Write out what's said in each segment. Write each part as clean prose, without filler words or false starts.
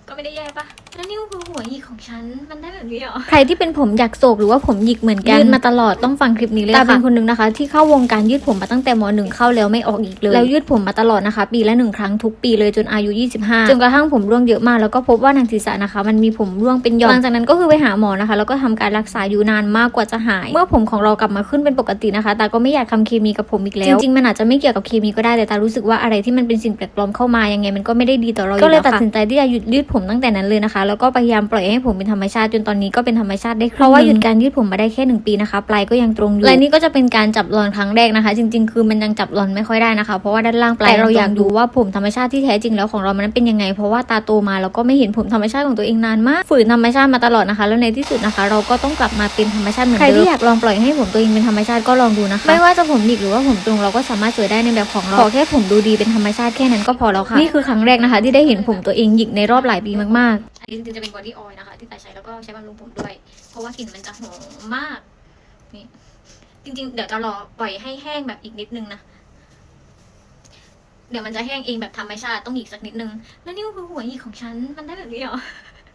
ก็ไม่ได้แย่ปะแล้วนี่คือหัวหยิกของฉันมันได้แบบนี้เหรอใครที่เป็นผมอยากโศกหรือว่าผมหยิกเหมือนกันยืดมาตลอดต้องฟังคลิปนี้เลยค่ะตาเป็นคนนึงนะคะที่เข้าวงการยืดผมมาตั้งแต่ม.1เข้าแล้วไม่ออกอีกเลยแล้วยืดผมมาตลอดนะคะปีละ1ครั้งทุกปีเลยจนอายุ25จนกระทั่งผมร่วงเยอะมากแล้วก็พบว่าหนังศีรษะนะคะมันมีผมร่วงเป็นหย่อมหลังจากนั้นก็คือไปหาหมอนะคะแล้วก็ทำการรักษาอยู่นานมากกว่าจะหายเมื่อผมของเรากลับมาขึ้นเป็นปกตินะคะตาก็ไม่อยากทำเคมีกับผมอีกแล้วจริงๆมันอาจจะไม่เกี่ยวกับเคมีก็ได้แต่ตารู้สึกว่าอะไรที่มันเป็นสิ่งแปลกปลอมเข้ามายังไงมันก็ไม่ได้ดีต่อเราก็เลยตัดสินใจที่จะหยุดยืดผมตั้งแต่นั้นเลยนะคะแล้วก็พยายามปล่อยให้ผมเป็นธรรมชาติจนตอนนี้ก็เป็นธรรมชาติได้เพราะว่าหยุดการยืดผมมาได้แค่1 ปีนะคะปลายก็ยังตรงอยู่และนี่ก็จะเป็นการจับรอนครั้งแรกนะคะจริงๆคือมันยังจับรอนไม่ค่อยได้นะคะเพราะว่าด้านล่างปลายเราอยากดูว่าผมธรรมชาติที่แท้จริงแล้วของเรามันเป็นยังไงเพราะว่าตาโตมาแล้วก็ไม่เห็นผมธรรมชาติของตัวเองนานมากฝืนธรรมชาติมาตลอดนะคะแล้วในที่สุดนะคะเราก็ต้องกลับมาเป็นธรรมชาติเหมือนเดิมใครที่อยากลองปล่อยให้ผมตัวเองเป็นธรรมชาติก็ลองดูนะคะไม่ว่าจะผมหยิกหรือว่าผมตรงเราก็สามารถสวยได้ในแบบของเราขอแค่ผมดูดีเป็นธรรมชาติแค่นั้นก็พอแล้วค่ะนี่คือครั้งแรกนะคะที่ได้เห็นผมตัวเองหยิกในรอบหลายปีมากๆอันนี้จริงๆจะเป็นบอดี้ออยล์นะคะที่แต่ใช้แล้วก็ใช้บำรุงผมด้วยเพราะว่ากลิ่นมันจะหอมมากนี่จริงๆเดี๋ยวจะรอปล่อยให้แห้งแบบอีกนิดนึงนะเดี๋ยวมันจะแห้งเองแบบธรรมชาติต้องอีกสักนิดนึงแล้วนี่คือหัวหยิกของฉันมันได้แบบนี้เหรอ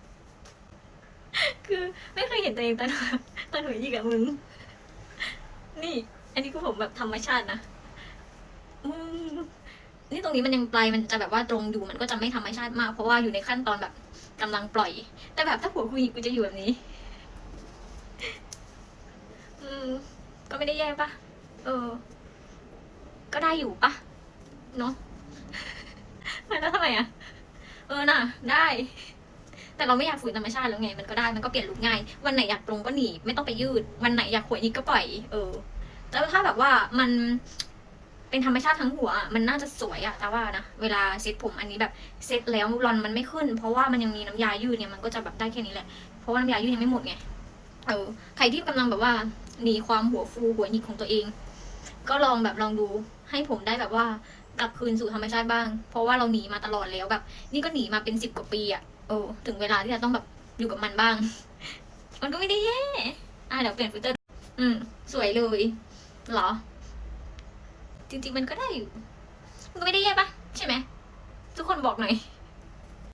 คือไม่เคยเห็นตัวเองตอนหัวหยิกอะมึงนี่อันนี้คือผมแบบธรรมชาตินะมึงนี่ตรงนี้มันยังปลายมันจะแบบว่าตรงอยู่มันก็จะไม่ธรรมชาติมากเพราะว่าอยู่ในขั้นตอนแบบกำลังปล่อย แต่แบบถ้าหัวกูหยิกกูจะอยู่แบบนี้ ก็ไม่ได้แย่ปะก็ได้อยู่ปะเนาะ แล้วทำไมอะน่ะได้ แต่เราไม่อยากฝืนธรรมชาติแล้วไงมันก็ได้มันก็เปลี่ยนลุคง่ายวันไหนอยากตรงก็หนีไม่ต้องไปยืดวันไหนอยากหัวหยิกก็ปล่อยแล้วถ้าแบบว่ามันเป็นธรรมชาติทั้งหัวมันน่าจะสวยอะแต่ว่านะเวลาเซ็ตผมอันนี้แบบเซ็ตแล้วรอนมันไม่ขึ้นเพราะว่ามันยังมีน้ำยายืดเนี่ยมันก็จะแบบได้แค่นี้แหละเพราะว่าน้ำยายืดยังไม่หมดไงใครที่กำลังแบบว่าหนีความหัวฟูหัวหยิกของตัวเองก็ลองดูให้ผมได้แบบว่ากลับคืนสู่ธรรมชาติบ้างเพราะว่าเราหนีมาตลอดแล้วแบบนี่ก็หนีมาเป็น10 กว่าปีอะถึงเวลาที่จะต้องแบบอยู่กับมันบ้าง มันก็ไม่ได้แย่เดี๋ยวเปลี่ยนฟิลเตอร์สวยเลยเหรอจริงๆมันก็ได้อยู่มันก็ไม่ได้แย่ปะใช่ไหมทุกคนบอกหน่อย